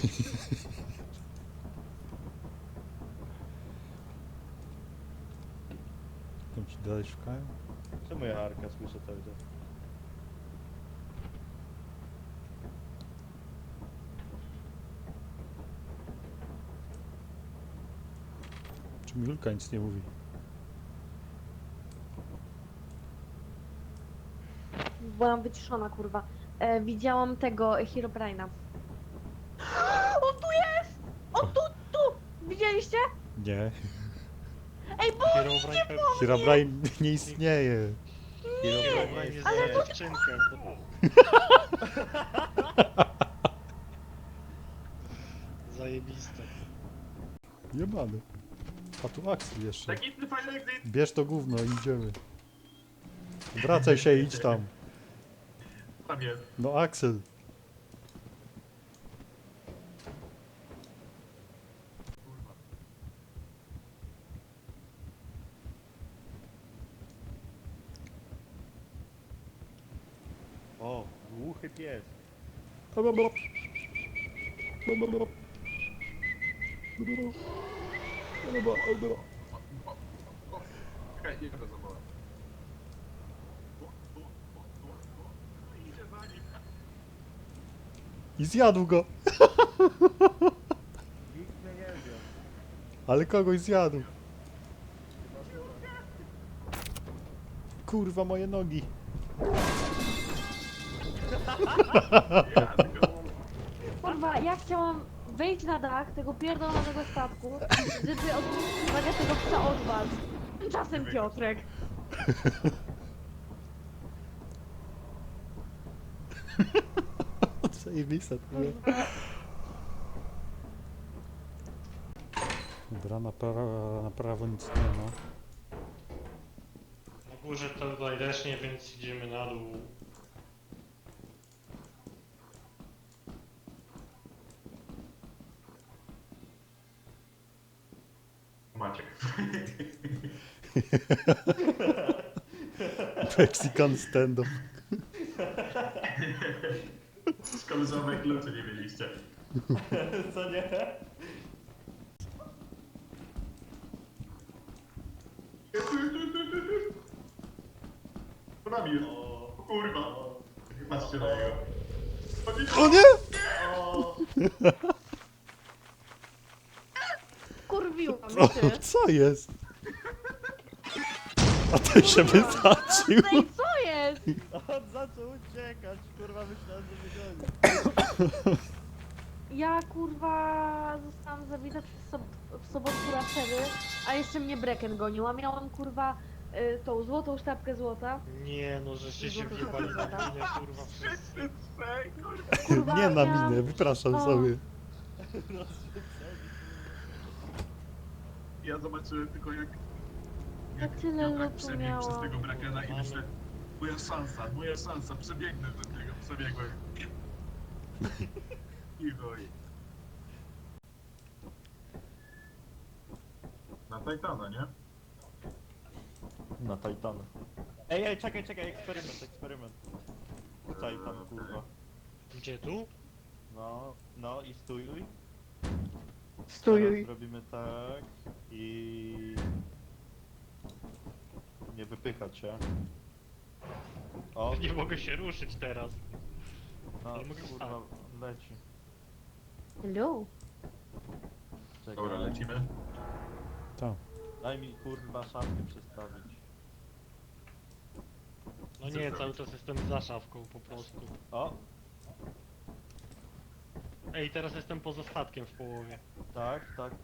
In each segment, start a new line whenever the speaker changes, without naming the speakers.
Tam ci dalej szukają?
Czemu ja Arka słyszę cały czas?
Czemu Julka nic nie mówi?
Byłam wyciszona, kurwa. Widziałam tego Herobrine'a. On tu jest! On tu! Widzieliście?
Nie.
Ej, bo
Herobrine nie istnieje.
Herobrine jest dziewczynkę. Zajebiste.
Jebany. A tu Axel jeszcze.
Taki fajny exit.
Bierz to gówno i idziemy. Wracaj się i idź tam.
Tam jest.
No Axel.
O, głuchy pies.
Czekaj, nie go zawołam. Idzie za nim.
I zjadł go.
Nikt mnie nie wie.
Ale kogoś zjadł. Kurwa, moje nogi.
kurwa, ja chciałam wejść na dach tego pierdolonego statku, żeby odwrócić uwagę tego psa od was. Tymczasem Piotrek.
Zajebiste to było. Dobra, na prawo nic nie ma.
Na górze to tutaj też nie, więc idziemy na dół.
Maciek.
Mexican stand-up.
Szkoda, że owe klucze nie mieliście.
Co nie?
To nami jest. O kurwa. Patrzcie na niego.
O nie!
Kurwiłam
O,
się.
co jest? A ten się wysadził.
Ej, co jest?
On zaczął uciekać, kurwa, myślałem, że wygoni.
Ja kurwa zostałam zabita w sobotku raszery, a jeszcze mnie Brecken gonił, a miałam kurwa tą złotą sztabkę złota.
Nie no, żeście się
Złoto
wjebali na
sztabka.
minę, kurwa, wszyscy.
Kurwa,
Nie na
miałam-
minę, wypraszam
O.
sobie.
Ja zobaczyłem tylko jak...
Ja tyle
ja
lotu
tak przebiegł przez
miałam.
tego Brakena i myślę... Moja szansa, przebiegnę do niego, przebiegłem. I chuj. Na Titana, nie?
Na Titana. Ej, czekaj, eksperyment. Titan, kurwa.
Gdzie tu?
No i stój.
Stój.
Teraz robimy tak i... Nie wypychać się. O,
Nie mogę się ruszyć teraz.
no,
ale mogę
kurwa, leci.
Hello.
Czekaj.
Dobra, lecimy.
Tam.
Daj mi kurwa szafkę przestawić.
No nie, cały czas jestem za szafką po prostu.
O,
Ej, teraz jestem poza statkiem w połowie.
tak.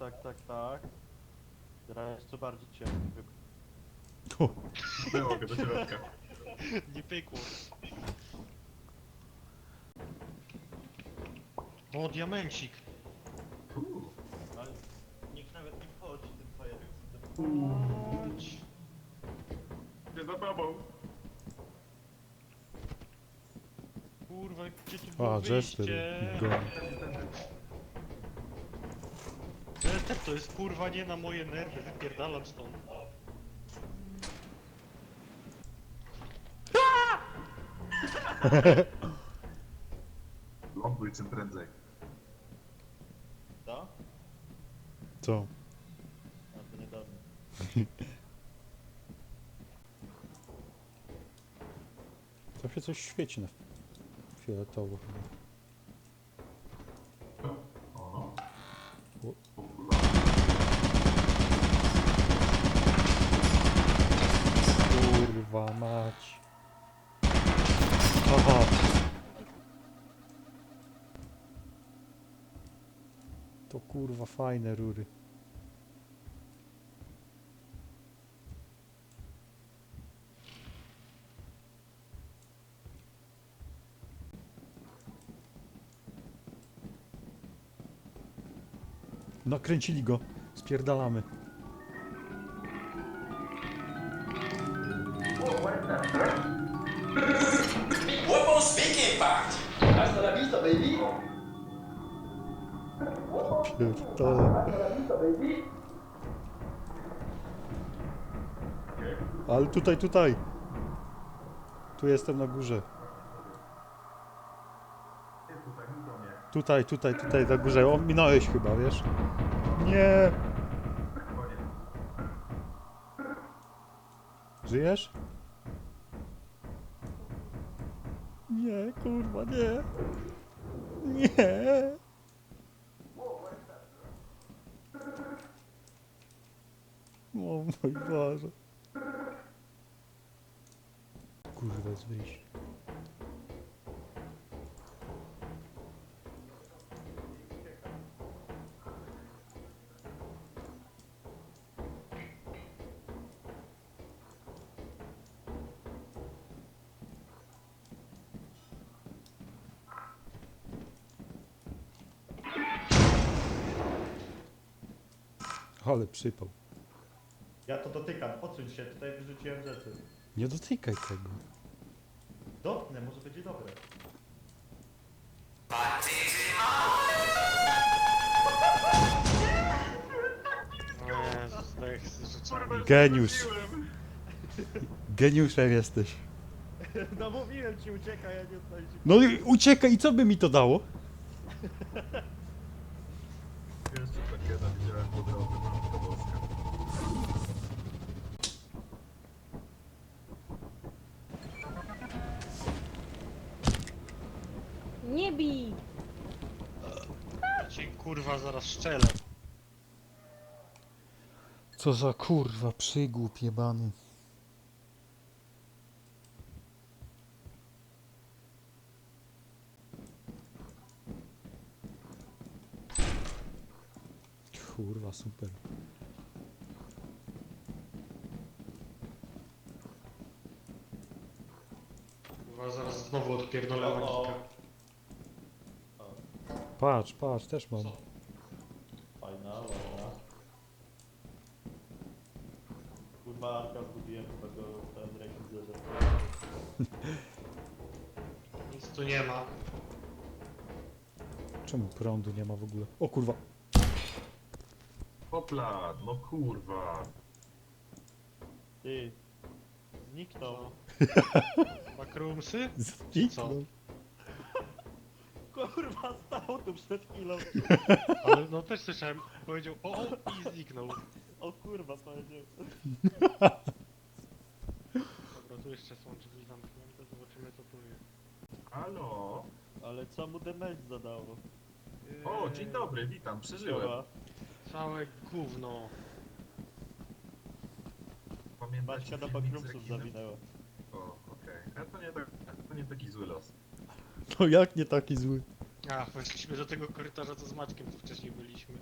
Teraz jeszcze bardziej cię wypchnę.
O,
Było go do środka.
Nie pykło. O, diamencik.
Ale nikt nawet nie wchodzi tym fajerem.
Chodź.
Nie za tobą.
Kurwa, gdzie tu było
a Jester.
wyjście?
Go.
Jester to jest kurwa nie na moje nerwy, wypierdalam stąd.
Ląduj czym prędzej.
Co?
A to niedawno.
Tam się coś świeci na fioletowo chyba.
O,
O.
o kurwa.
Kurwa mać. Aha. To kurwa fajne rury. Nakręcili go. Spierdalamy.
What won't speaking part? Hasta la vista, baby.
Pierdolę. Ale tutaj, tutaj. Tu jestem na górze.
Ty tutaj, mów do mnie.
Tutaj, tutaj, tutaj na górze. O, minąłeś chyba, wiesz? Nie.
Koniec.
Żyjesz? Nie, kurwa, nie. Nie. O mój Boże. Kurwa, jest wyjście. Ale przypał.
Ja to dotykam, odsuń się, tutaj wyrzuciłem rzeczy.
Nie dotykaj tego.
Dotknę, może będzie dobre.
O Jezus, tak z rzeczami.
Geniusz. Geniuszem jesteś.
No mówiłem ci, uciekaj, ja nie oddaję ci.
No i uciekaj i co by mi to dało?
Jeszcze takiego widziałem po drodze, Matka Boska.
Nie bij!
Ja ci kurwa zaraz szczelę.
Co za kurwa przygłup jebany. Kurwa, super.
Kurwa zaraz znowu odpierdolę
O, o.
magika.
Patrz, patrz, też mam.
Co?
Fajna, ładna. Kurwa, Arka zgubiłem chyba go ten rekwizyt.
Nic tu nie ma.
Czemu prądu nie ma w ogóle? O kurwa.
Hopla, no kurwa.
Ty, zniknął.
Backroomsy?
Zniknął.
Kurwa, stał tu przed chwilą.
Ale no też słyszałem, powiedział o i zniknął.
O kurwa, powiedział.
Dobra, tu jeszcze są drzwi zamknięte, zobaczymy co tu jest.
Halo?
Ale co mu damage zadało?
O, dzień dobry, witam, przeżyłem.
Siema.
Całe gówno.
Pamiętacie
Maćka do
filmik z
backroomsów
rekinem?
zawinęła.
O, okej. A to nie taki zły los.
No jak nie taki zły?
A, weszliśmy do tego korytarza, co z Maćkiem tu wcześniej byliśmy.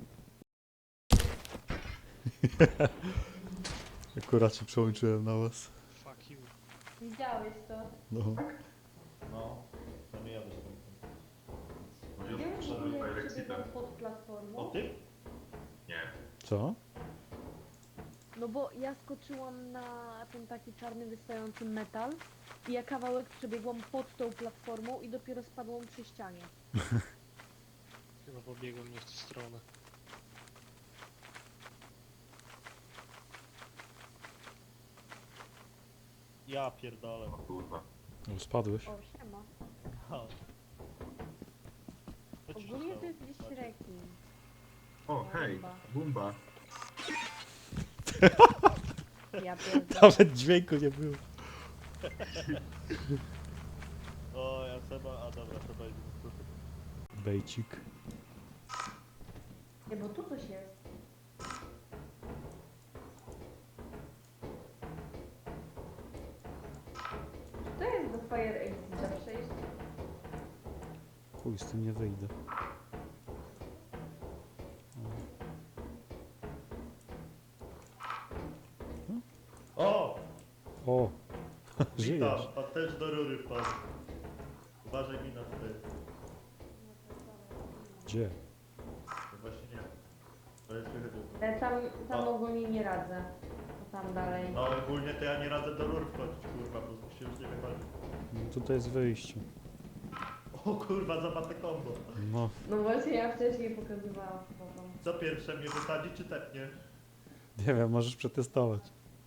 Akurat się przełączyłem na was.
Fuck you.
Widziałeś to?
No.
No, to nie jadę z
No
Gdzie
ja
w
wszedłem
ogóle
Fire
przebiegał
Exitem.
pod platformą?
O tym?
Nie.
Co?
No bo ja skoczyłam na ten taki czarny wystający metal i ja kawałek przebiegłam pod tą platformą i dopiero spadłam przy ścianie.
Chyba pobiegłem nie w tę stronę.
Ja pierdolę.
O kurwa.
No, spadłeś.
O, siema.
Ha. Co ci się
Ogólnie to
stało?
jest gdzieś
Maciek?
rekin.
O, hej, Bumba.
Ja pierdolę.
Nawet dźwięku nie było.
O, ja Seba, a dobra, Seba jest tu.
Bejcik.
Nie, bo tu coś jest. To jest do Fire Exita przejść.
Chuj, z tym nie wyjdę.
O!
O!
Witam,
Żyjesz.
pan też do rury wpadł. Uważaj mi na ty.
Gdzie?
No właśnie nie. To jest wychodził.
Tam
O.
ogólnie nie radzę. To tam dalej.
No ogólnie to ja nie radzę do rur wchodzić, kurwa, bo się już nie wychodzi.
No, tutaj jest wyjście.
O kurwa, zabate kombo.
No,
No właśnie ja wcześniej pokazywałam spoko.
Co pierwsze, mnie wysadzi czy tepnie?
nie wiem, możesz przetestować.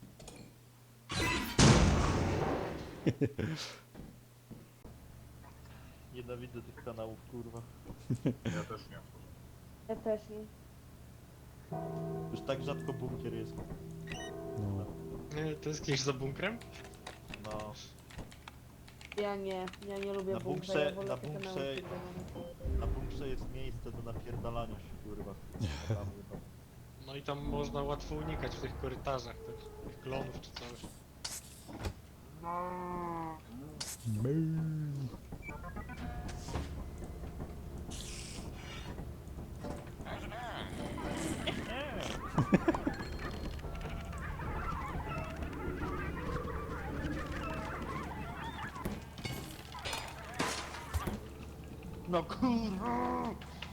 Nienawidzę tych kanałów, kurwa.
Ja też nie.
Ja też nie.
Już tak rzadko bunkier jest.
No.
Tęsknisz za bunkrem?
No.
Ja nie lubię
Na
bunkra,
bunkrze-
ja wolę
na
te kanały
bunkrze-
przegrane.
Na bunkrze jest miejsce do napierdalania się, kurwa. Tam, chyba.
No i tam można łatwo unikać w tych korytarzach, tych klonów czy coś.
No kurwa!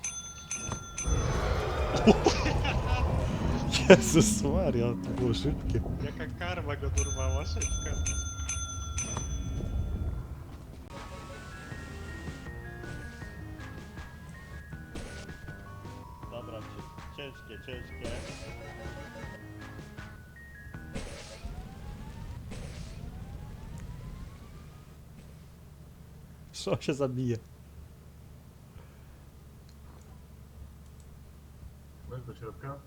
Jezus Maria, to było szybkie.
Jaka karma go dorwała, szybka.
Dobra, ciężkie.
Co się zabije?
Weź do środka.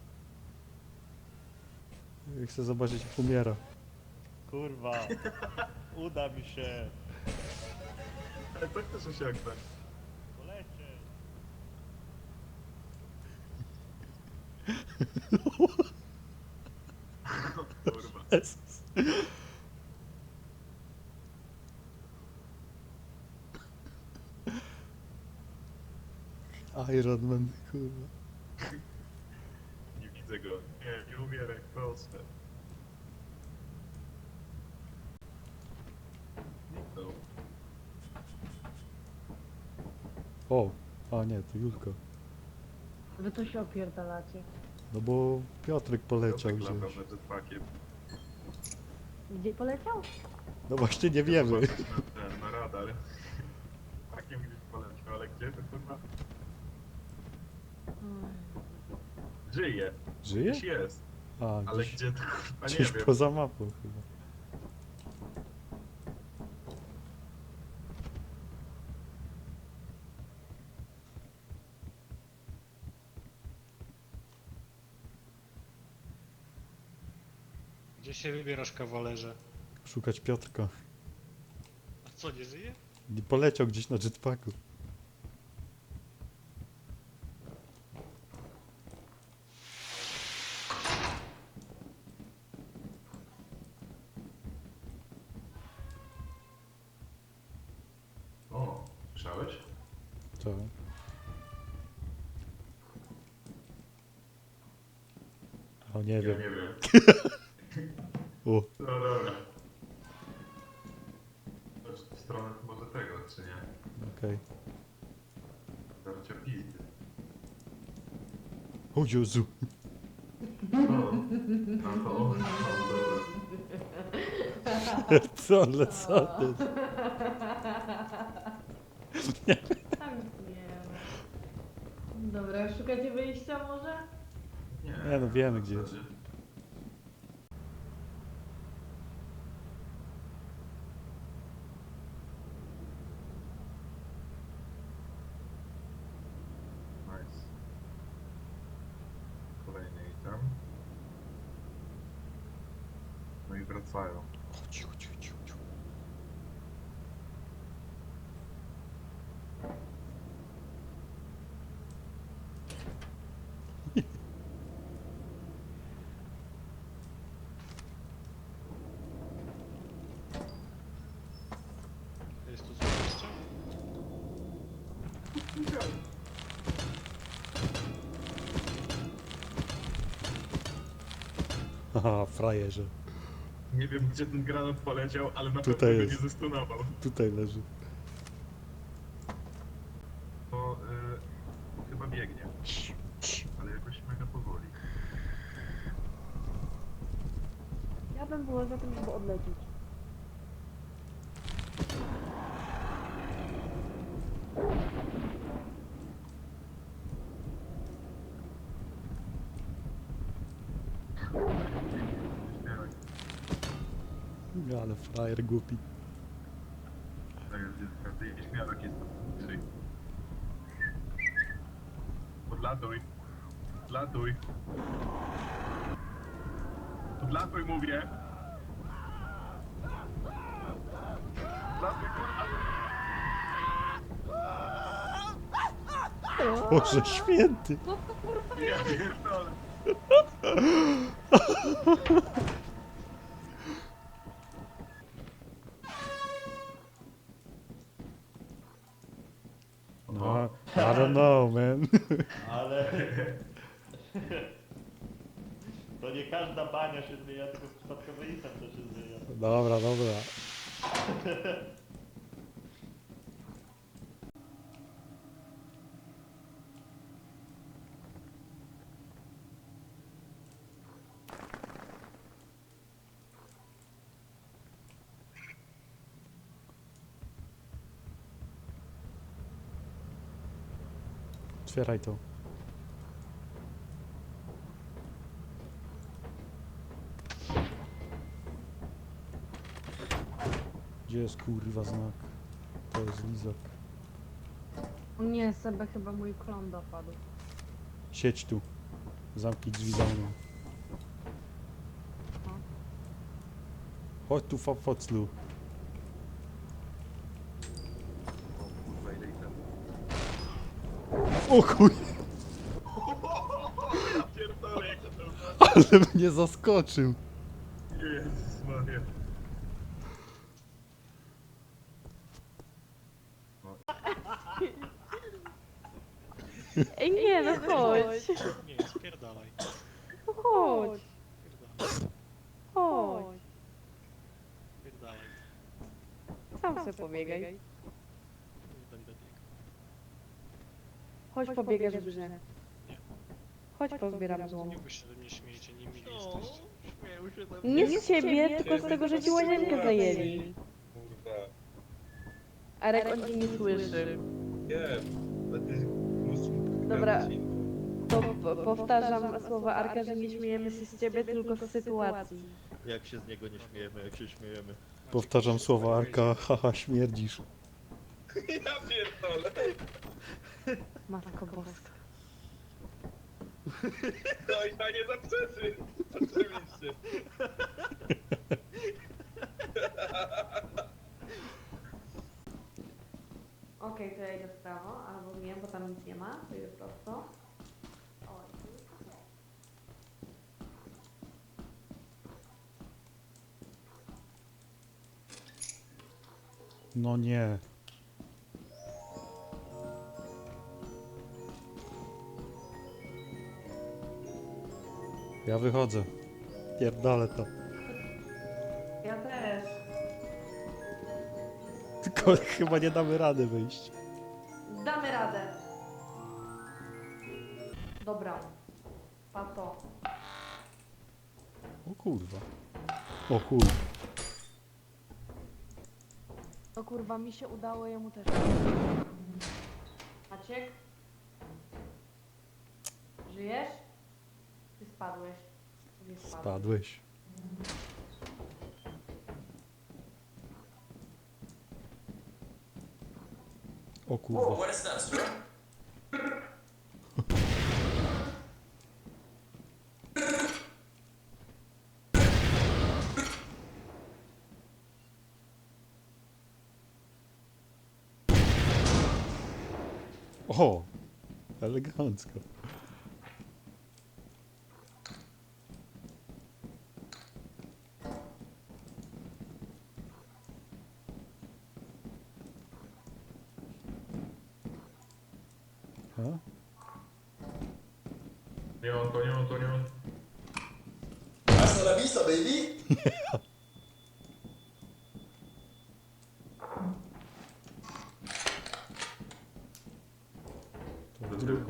Chcę zobaczyć, jak umiera.
Kurwa. Uda mi się.
Ale to chcesz osiągnąć.
Polecie.
Kurwa.
Jezus. Iron Man, kurwa.
Nie widzę go. Nie umieraj, proste. Zniknął.
O, a nie, to Julka.
Wy to się opierdalacie.
No bo Piotrek poleciał
Piotrek latał
gdzieś.
nad jetpackiem.
Gdzie poleciał?
No właśnie nie wiemy.
Zobaczyć na radar. Takiem gdzieś poleciał, ale gdzie to kurwa? Żyje.
Żyje?
Gdzieś jest.
A,
Ale
gdzieś,
gdzie to kurwa nie
gdzieś
wiem.
poza mapą chyba.
Gdzie się wybierasz, kawalerze?
Szukać Piotrka.
A co, nie żyje?
Nie poleciał gdzieś na jetpacku.
O, słyszałeś?
Co? O, nie
Ja
wiem.
nie wiem.
O,
No dobra. Chodź w stronę może tego, czy nie?
okej.
Darcia pizdy.
O Jezu.
O, a to on, dobra.
Co, ale co ty?
Tam nic nie ma. Dobra, szukacie wyjścia może?
Nie, no wiemy, gdzie jest.
Nice. wracają.
Ciu, ciu, ciu, ciu.
Jest tu coś jeszcze?
Haha, frajerze.
Nie wiem, gdzie ten granat poleciał, ale na
Tutaj
pewno go
jest.
nie zestunował.
Tutaj leży.
To chyba biegnie, ale jakoś mega powoli.
Ja bym była za tym, żeby odlecieć.
Śmiałek.
Ale frajer głupi.
Tak, każdy śmiałek jest bliżej. Podlatuj. Podlatuj. Podlatuj, mówię. Podlatuj, kurwa.
Boże święty.
Ja pierdolę.
No, I don't know, man.
Ale... To nie każda bania się zmienia, tylko przypadkowy item to się zmienia.
Dobra, dobra. Otwieraj to. Gdzie jest kurwa znak? To jest lizak.
O nie, Sebe, chyba mój klon dopadł.
Siedź tu. Zamknij drzwi za mną.
No.
Chodź tu, foclu.
Kurwa, ile ich tam.
O chuj!
Ja pierdolę, jak to było.
Ale mnie zaskoczył.
Jezus Maria.
Ej, nie, no chodź.
Nie, spierdalaj.
No chodź.
Spierdalaj.
Chodź.
Spierdalaj.
Sam sobie pobiegaj.
Nie będę biegł.
Chodź pobiegasz w grze.
Nie.
Chodź pozbieram złom.
Nie byście ze mnie śmiejecie, nie mili jesteście.
Śmieją się tam.
Nie z ciebie, tylko z tego, że ci łazienkę zajęli.
Kurwa,
Arek, on cię nie słyszy.
wiem, ale ty
Dobra. To powtarzam słowa Arka, że nie śmiejemy się z ciebie, tylko z sytuacji.
Jak się z niego nie śmiejemy, jak się śmiejemy.
Powtarzam słowa Arka, haha, śmierdzisz.
Ja pierdolę.
Matko Boska.
No i ja nie zaprzeczy. Oczywiście.
Okej, to ja idę w prawo, albo nie, bo tam nic nie ma, to idę prosto. O, tu jest okej.
No nie. Ja wychodzę. Pierdolę to.
Ja też.
Tylko chyba nie damy rady wyjść.
Damy radę. Dobra. Pato.
O kurwa. O chuj.
No kurwa, mi się udało, jemu też. Maciek? Żyjesz? Ty spadłeś. Nie spadłeś.
Spadłeś. O
Whoa,
kurwa.
what is that, sir?
O! Elegancko. A?
Nie on, to nie on, to nie on.
Hasta la vista, baby.
To drugi.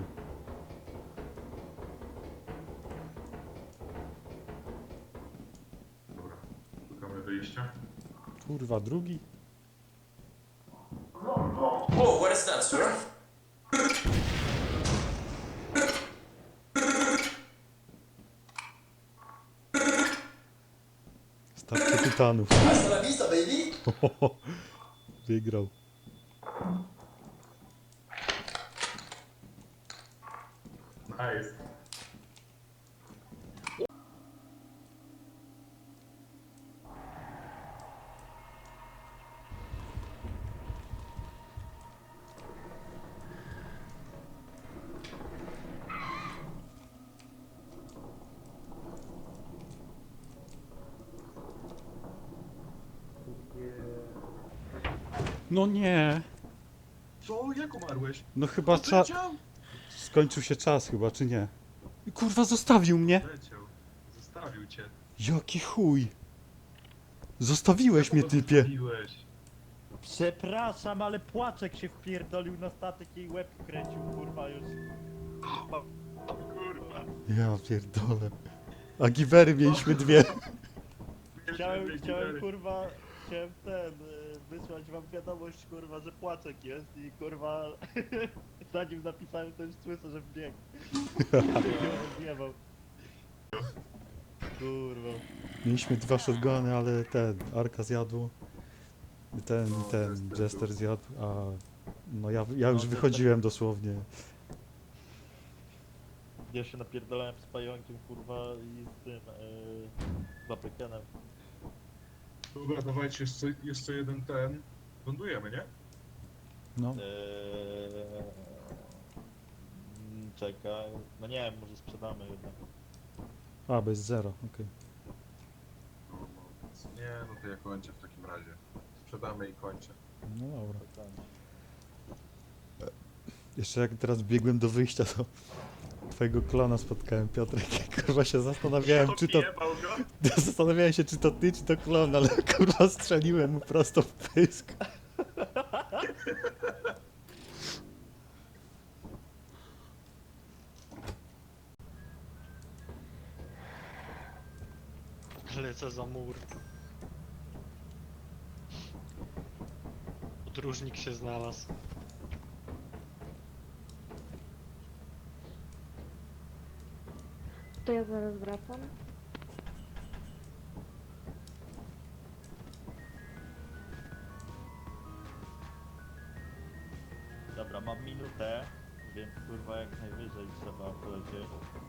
Dobra, szukamy wyjścia.
Kurwa, drugi?
Oh, what is that, sir?
Stacja Tytanów.
Hasta la vista, baby.
Wygrał.
Nice.
No nie.
Co? Jak umarłeś?
No chyba czas.
Leciał?
Skończył się czas chyba, czy nie? I kurwa, zostawił mnie.
Leciał. Zostawił cię.
Jaki chuj. Zostawiłeś mnie, typie.
Zostawiłeś.
Przepraszam, ale płaczek się wpierdolił na statek i łeb kręcił, kurwa już.
Kurwa.
Ja pierdolę. A giwery mieliśmy dwie.
Chciałem kurwa, wysłać wam wiadomość, kurwa, że płaczek jest i kurwa, zanim napisałem to już słyszę, że wbiegł. Zjebał. Kurwa.
Mieliśmy dwa shotguny, ale ten, Arka zjadł. Ten Jester zjadł, a no ja już wychodziłem dosłownie.
Ja się napierdalałem z pająkiem, kurwa, i z tym, Bapekenem.
Dobra, dawajcie jeszcze jeden ten. Lądujemy, nie?
No,
Czekaj, no nie wiem, może sprzedamy jednak.
a bez zera, okej.
Nie, no to ja kończę w takim razie. Sprzedamy i kończę.
No dobra.
Spokojnie.
Jeszcze jak teraz biegłem do wyjścia, to twojego klona spotkałem, Piotrek. Kurwa się zastanawiałem, czy to...
Odjebał go.
Zastanawiałem się, czy to ty, czy to klon, ale kurwa strzeliłem mu prosto w pysk.
Lecę za mur. Podróżnik się znalazł.
To ja zaraz wracam.
Dobra, mam minutę, więc kurwa jak najwyżej trzeba polecieć.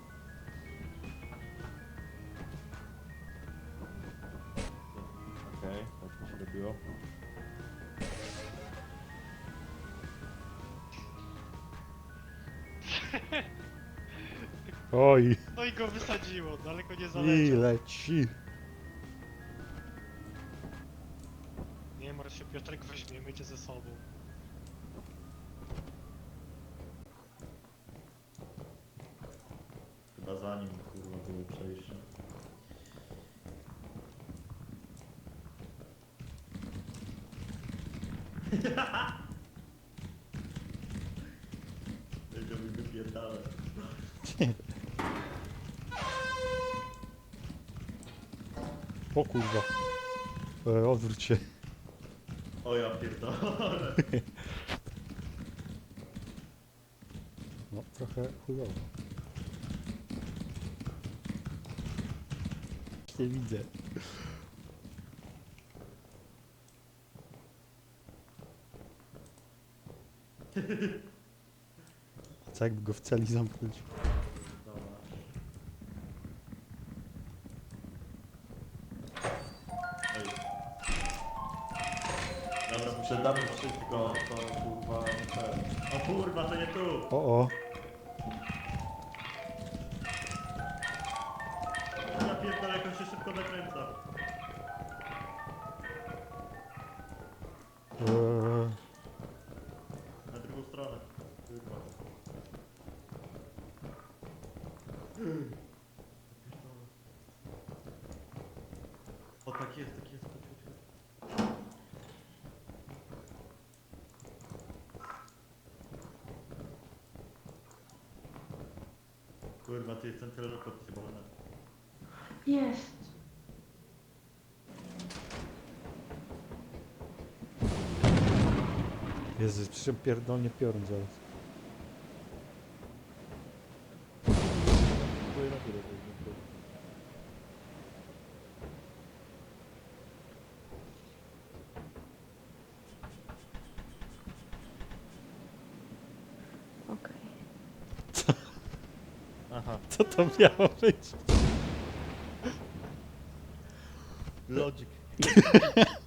Okej, tak mi się robiło.
Oj,
No i go wysadziło, daleko nie
i
zaleciał.
leci.
Nie martw się, Piotrek, weźmiemy cię ze sobą.
Chyba za nim kurwa było przejście. Będziemy wypierdalać.
O kurwa. Odwróć się.
O ja pierdolę.
No, trochę chujowo. Nie widzę. Co jakby go w celi zamknąć?
Dobra. Ej. Dobra, Sprzedamy wszystko, to kurwa ten. O kurwa, to nie tu!
O.
Ja pierdolę, jak on się szybko zakręca. Na drugą stronę. Kurwa. O tak jest, tak jest. Chodź, chodź, chodź. Kurwa, ty jest ten teleport chyba na...
Jest.
Jezu, przecież pierdolnie piorun zaraz.
Okej.
Aha,
Co to miało być?
logic.